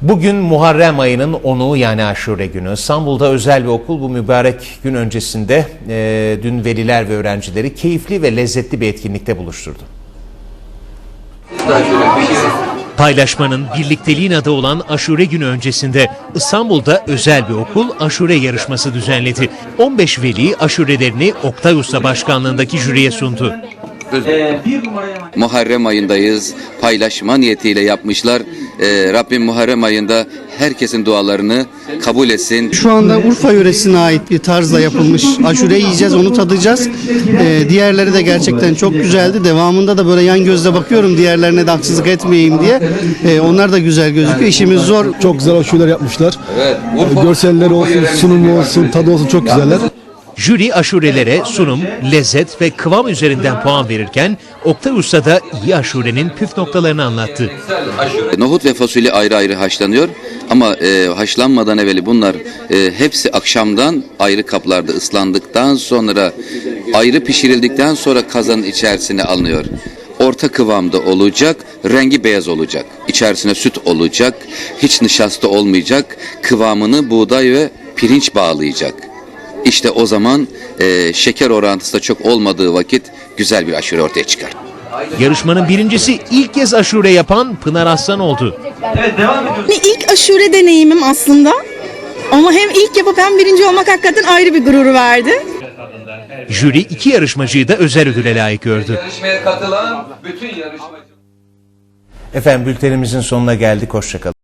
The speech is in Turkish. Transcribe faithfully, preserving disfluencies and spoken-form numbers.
Bugün Muharrem ayının onu yani Aşure günü. İstanbul'da özel bir okul bu mübarek gün öncesinde e, dün veliler ve öğrencileri keyifli ve lezzetli bir etkinlikte buluşturdu. Paylaşmanın, birlikteliğin adı olan Aşure günü öncesinde İstanbul'da özel bir okul aşure yarışması düzenledi. on beş veli aşurelerini Oktay Usta başkanlığındaki jüriye sundu. Muharrem ayındayız. Paylaşma niyetiyle yapmışlar. Ee, Rabbim Muharrem ayında herkesin dualarını kabul etsin. Şu anda Urfa yöresine ait bir tarzla yapılmış aşure yiyeceğiz, onu tadacağız. Ee, diğerleri de gerçekten çok güzeldi. Devamında da böyle yan gözle bakıyorum diğerlerine de haksızlık etmeyeyim diye. Ee, onlar da güzel gözüküyor. İşimiz zor. Çok güzel aşureler yapmışlar. Evet, Görselleri olsun, sunumu olsun, tadı olsun çok güzeller. Jüri aşurelere sunum, lezzet ve kıvam üzerinden puan verirken Oktay Usta da iyi aşurenin püf noktalarını anlattı. Nohut ve fasulye ayrı ayrı haşlanıyor ama e, haşlanmadan evveli bunlar e, hepsi akşamdan ayrı kaplarda ıslandıktan sonra ayrı pişirildikten sonra kazanın içerisine alınıyor. Orta kıvamda olacak, rengi beyaz olacak. İçerisine süt olacak, hiç nişasta olmayacak, kıvamını buğday ve pirinç bağlayacak. İşte o zaman e, şeker orantısı da çok olmadığı vakit güzel bir aşure ortaya çıkar. Yarışmanın birincisi ilk kez aşure yapan Pınar Aslan oldu. İlk aşure deneyimim aslında. Ama hem ilk yapıp hem birinci olmak hakikaten ayrı bir gurur verdi. Jüri iki yarışmacıyı da özel ödüle layık gördü. Efendim bültenimizin sonuna geldik. Hoşça kalın.